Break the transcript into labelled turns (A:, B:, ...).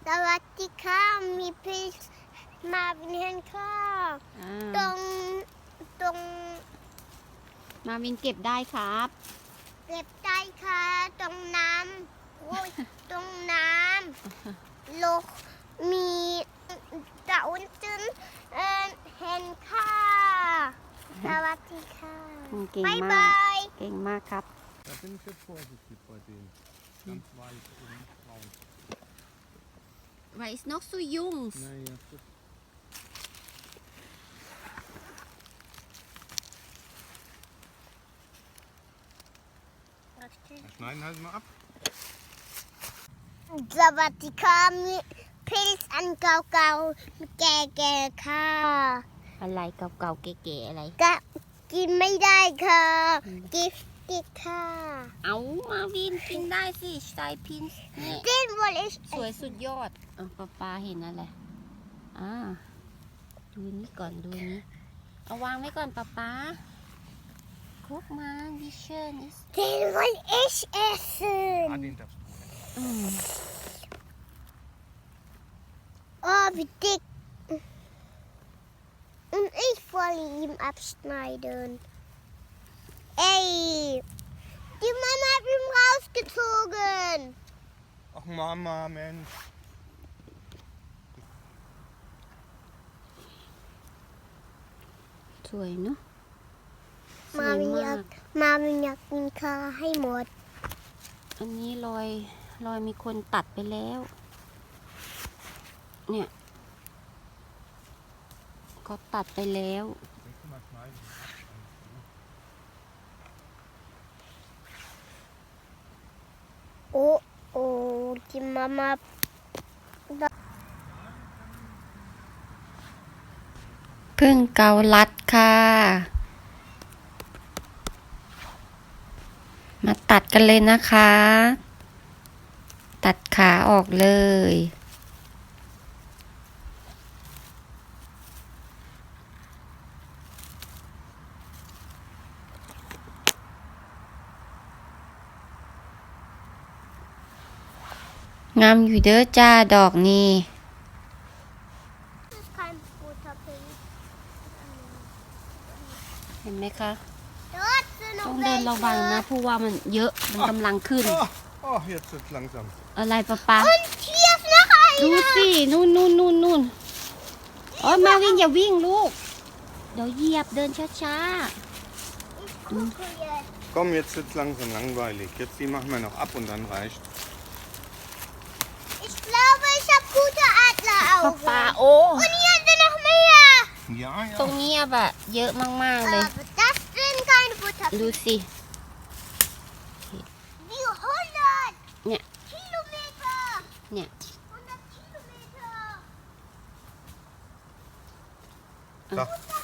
A: สวัสดีค่ะมีพี่มาวินเห็นค่ะตรง
B: มาวินเก็บได้ครับ
A: เก็บได้ค่ะตรงน้ำโอ้ยตรงน้ำโลกมีตะวันจึนเห็นค่ะสวัสดีค่ะ
B: เก่ง
A: บ๊าย
B: มา
A: บาก ย
B: เก่งมากครับ
C: Da bin ich jetzt vorsichtig bei denen. Ganz weit und braun.
B: Weil es noch so jung ist.
C: Naja, gut. Schneiden halt mal ab.
A: สวัสดีค่ะมีพิลอันเก่าๆแก่ๆค่ะ
B: อะไรเก่าๆเก๋ๆอะไร
A: ก็กินไม่ได้ค่ะกิฟติดค่ะ
B: เอามาวินกินได้สิสไตล์พินนี่
A: Den will ich
B: สวยสุดยอดป้าเห็นอะไรดูนี้ก่อนดูนี้เอาวางไว้ก่อนป้ากุ๊กมาดิเชน
A: Den will ich essen.
C: Ah, den darfst du.
A: Oh, wie dick. Und ich wollte ihn abschneiden. Ey, die Mama hat ihn rausgezogen.
C: Ach Mama, Mensch.
B: สวยเนาะสว
A: มาย วินอ
B: มาย
A: าก กมาวินอยากกินข้าวให้หมด
B: อันนี้รอยมีคนตัดไปแล้ว เนี่ยก็ตัดไปแล้ว
C: Willst du mal schneiden?
A: Oh, oh, die Mama.
B: พึ่งเกาลัดค่ะ มาตัดกันเลยนะคะ ตัดขาออกเลย งามอยู่เด้อจ้าดอกนี้
A: Kein guter Pilz.
B: เห็นไหมคะ
A: Dort sind
B: ต้อ
A: noch
B: งเดินระวังนะ
A: welche.
B: เพราะว่ามันเยอะ มันกำลังขึ้น
C: Oh, jetzt wird's langsam.
B: อะไรป๊า
A: Und hier ist noch
B: ดู
A: einer.
B: สินู่นโอ้ยมาวิ่งอย่าวิ่งลูก เดี๋ยวเหยียบเดินช้า
A: Ich gucke jetzt.
C: Komm, jetzt wird's langsam langweilig. Jetzt die machen wir noch ab und dann reicht.
A: Ich glaube, ich habe gute
B: ๆ
A: Adleraugen.
B: ป๊าโอ้
A: Und hier sind noch mehr.
C: Ja,
B: ตรง
C: ja.
B: นี้แบบเยอะมากๆเลย
A: Aber das sind keine
B: ดู
A: Butterpilze.
B: สิ
A: Wie 100
B: เนี่ย
A: Kilometer.
B: เนี่ย
A: 100 Kilometer.
C: Da.
A: 100